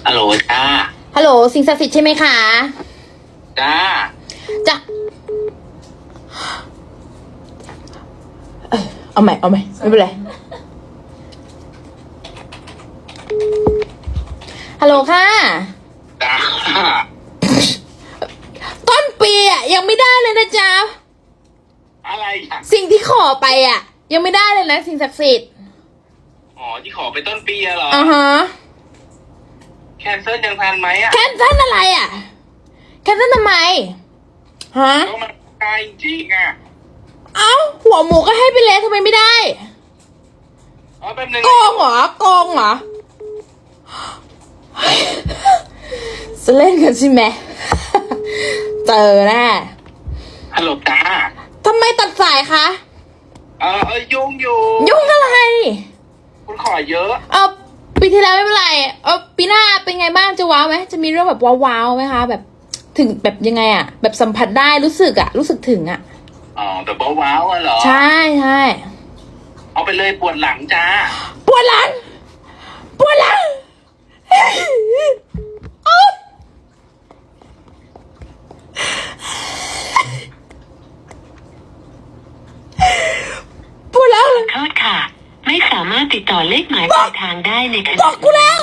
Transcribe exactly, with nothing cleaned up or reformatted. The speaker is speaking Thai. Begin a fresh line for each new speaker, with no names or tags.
ฮัลโหลจ้า
ฮัลโหลสิ่งศักดิ์สิทธิ์ใช่ไหมคะ
จ้า
จ้าเอาใหม่เอาใหม่ไม่เป็นไรฮัลโหลค่ะ
จ้า
ต้นปีอ่ะยังไม่ได้เลยนะจ๊ะ
อะไรอ่ะ
สิ่งที่ขอไปอ่ะยังไม่ได้เลยนะสิ่งศักดิ์สิทธิ์
อ๋อที่ขอไปต้นปีอะเหรอ
อ่าฮะ
แคนเซิลยังทันไหมอะ
แคนเซิลอะไรอ่ะแคนเซิลทำไมฮะ
ก็มันไกลจริงอ่ะ
เอ้าหัวหมูก็ให้ไปแล้วทำไมไม่ได้
อ๋อแป๊บนึง
โกงเหรอโกงเหรอจะเล่นกันใช่ไหมเจอแน่
ฮัลโหลจ้า
ทำไมตัดสายคะ
เออเออยุ่งอยู่
ยุ่งอะไร
คุณขอเยอะ
เออปีที่แล้วไม่เป็นไรเออปีหน้าเป็นไงบ้างจะว้าวไหมจะมีเรื่องแบบว้าวๆไหมคะแบบถึงแบบยังไงอะแบบสัมผัสได้รู้สึกอะรู้สึกถึงอะ
อ๋อแบบว้าวๆอะเหรอ
ใช่ใช่
เอาไปเลยปวดหลังจ้า
ปวดหลังปวดหลังปวดหลัง
ขอโทษค่ะไม่สามารถติดต่อเลขหมายปลายทางได้ในขณะ
บอกกูแล้ว